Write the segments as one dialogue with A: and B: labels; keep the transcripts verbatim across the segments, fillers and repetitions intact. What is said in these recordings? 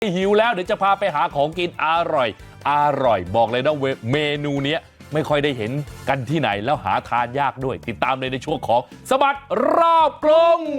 A: หิวแล้วเดี๋ยวจะพาไปหาของกินอร่อยอร่อยบอกเลยนะเมนูนี้ไม่ค่อยได้เห็นกันที่ไหนแล้วหาทานยากด้วยติดตามเลยในช่วงของสบัดรอบกรุง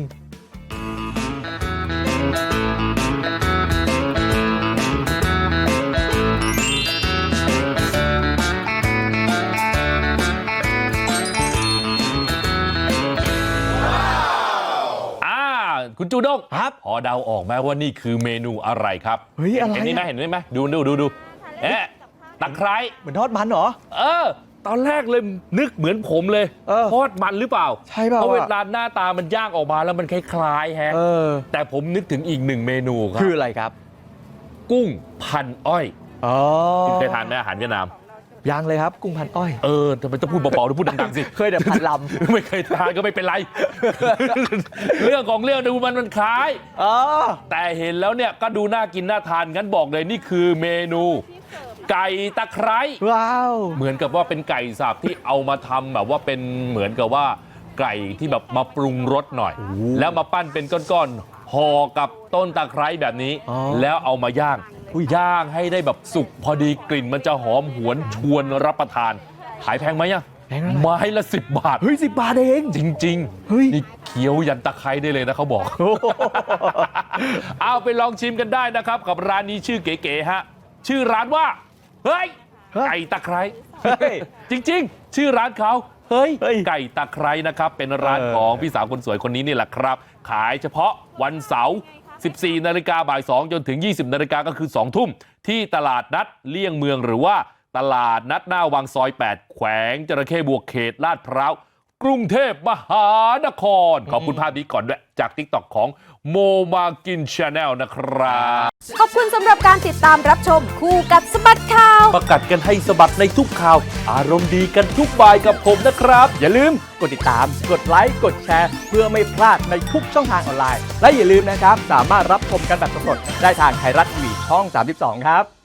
A: คุณจูด้งครับพอเดาออกไหมว่านี่คือเมนูอะไรครับ
B: เฮ้ยอะไร
A: เห็นนี่ไหมเห็นไหมดูดูดูดูเอ๊ะตะไคร้
B: เหมือนทอดมันเหรอ
A: เออตอนแรกเลยนึกเหมือนผมเลยทอดมันหรือเปล่า
B: ใช่เปล่า
A: เพราะเวลาหน้าตามันย่างออกมาแล้วมันคล้ายๆแฮะแต่ผมนึกถึงอีกหนึ่งเมนูครับ
B: คืออะไรครับ
A: กุ้งพันอ้อย
B: อ๋อ
A: คุณเคยทานไหมอาหารเวียดนาม
B: ยังเลยครับกุ้งพันอ้อย
A: เออทำไมต้องพูดเบาๆต้องพูดดังๆสิ
B: เคยแต่พันลำ
A: ไม่เคยทานก็ไม่เป็นไรเรื่องของเรื่องดูมันมันคล้ายแต่เห็นแล้วเนี่ยก็ดูน่ากินน่าทานงั้นบอกเลยนี่คือเมนูไก่ตะไคร้
B: ว้าว
A: เหมือนกับว่าเป็นไก่สับที่เอามาทำแบบว่าเป็นเหมือนกับว่าไก่ที่แบบมาปรุงรสหน่อยแล้วมาปั้นเป็นก้อนๆห่อกับต้นตะไคร้แบบนี้แล้วเอามาย่างย่างให้ได้แบบสุกพอดีกลิ่นมันจะหอมหวนชวนรับประทานขายแพงไหมยังไม้ละสิบบาท
B: เฮ้ยสิบบาทเอง
A: จริงๆเฮ้ยนี่เคี้ยวยันตะไคร้ได้เลยนะเขาบอกเอาไปลองชิมกันได้นะครับกับร้านนี้ชื่อเก๋ๆฮะชื่อร้านว่าเฮ้ยไก่ตะไคร้จริงๆชื่อร้านเขาเฮ้ยไก่ตะไคร้นะครับเป็นร้านของพี่สาวคนสวยคนนี้นี่แหละครับขายเฉพาะวันเสาร์สิบสี่นาฬิกาบ่ายสองจนถึงยี่สิบนาฬิกาก็คือสองทุ่มที่ตลาดนัดเลี่ยงเมืองหรือว่าตลาดนัดหน้าวังซอยแปดแขวงจระเข้บวกเขตลาดพร้าวกรุงเทพมหานครขอบคุณภาพนี้ก่อนด้วยจาก ติ๊กต็อก ของโมมากิน Channel นะครับ
C: ขอบคุณสำหรับการติดตามรับชมคู่กับสบัดข่าว
A: ประกัดกันให้สบัดในทุกข่าวอารมณ์ดีกันทุกบ่ายกับผมนะครับ
B: อย่าลืมกดติดตามกดไลค์กดแชร์เพื่อไม่พลาดในทุกช่องทางออนไลน์และอย่าลืมนะครับสามารถรับชมกันแบบสดๆได้ทางไทยรัฐทีวีช่องสามสิบสองครับ